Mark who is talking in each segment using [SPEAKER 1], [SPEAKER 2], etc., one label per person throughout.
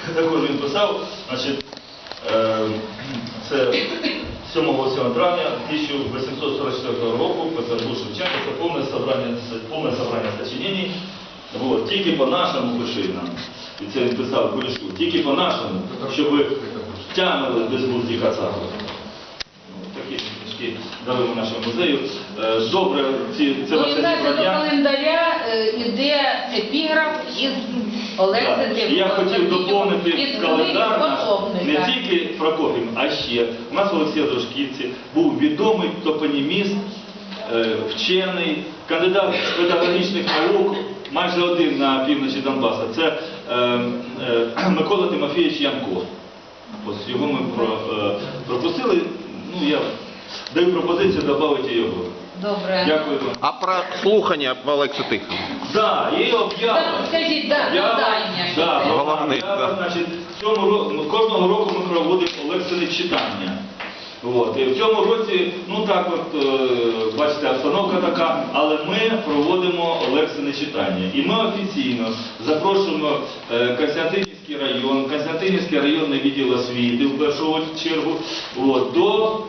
[SPEAKER 1] також він писав, значить, це 7-8 травня 1844 року Петербург Шевченко, це повне собрання сочинений. Вот, тільки по-нашому пиши нам. І це він писав Кулішу, тільки по-нашому, щоб ви тягнули безглузді кацапи. Такі книжки даруємо нашому музею. Добре, це ваше зібрання.
[SPEAKER 2] До календаря йде епіграф із Олекси Тихо.
[SPEAKER 1] Я хотів доповнити календар наш не тільки Прокоф'єм, а ще. У нас в Олексія Дружківці був відомий топоніміст, вчений, кандидат педагогічних наук, майже один на півночі Донбаса. Це Микола Тимофійович Янко. Ось його ми пропустили. Ну, я даю пропозицію додати його.
[SPEAKER 2] Добре.
[SPEAKER 1] Дякую вам.
[SPEAKER 3] А про слухання по Олексу Тихому?
[SPEAKER 1] Так, є об'ява.
[SPEAKER 2] Скажіть, завдання.
[SPEAKER 3] Головне,
[SPEAKER 1] Значить, кожного року ми проводимо лекційне читання. От. І в цьому році, ну так от, бачите, обстановка така, але ми проводимо лекційне читання. І ми офіційно запрошуємо Костянтинівський районний відділ освіти в першу чергу, от, до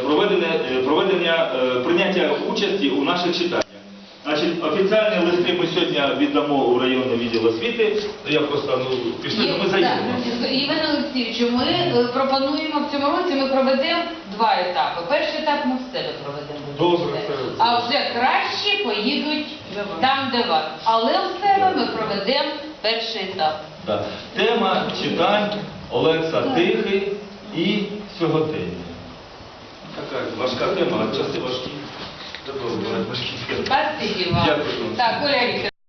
[SPEAKER 1] прийняття участі у наших читаннях. Значить, офіційні листи ми сьогодні віддамо у районний відділ освіти. Я просто, пішли, ми заїдемо.
[SPEAKER 2] Іван Олексійович, ми пропонуємо в цьому році, ми проведемо 2 етапи. Перший етап ми в себе проведемо.
[SPEAKER 1] Добре.
[SPEAKER 2] А вже краще поїдуть там, де вас. Але в себе ми проведемо перший етап.
[SPEAKER 1] Так. Тема читань Олекса Тихий і сьогодення. Така важка тема, а часи важкі. Добре, важкі.
[SPEAKER 2] Спасибі вам.
[SPEAKER 1] Дякую.
[SPEAKER 2] Так, Оля Вікторівна.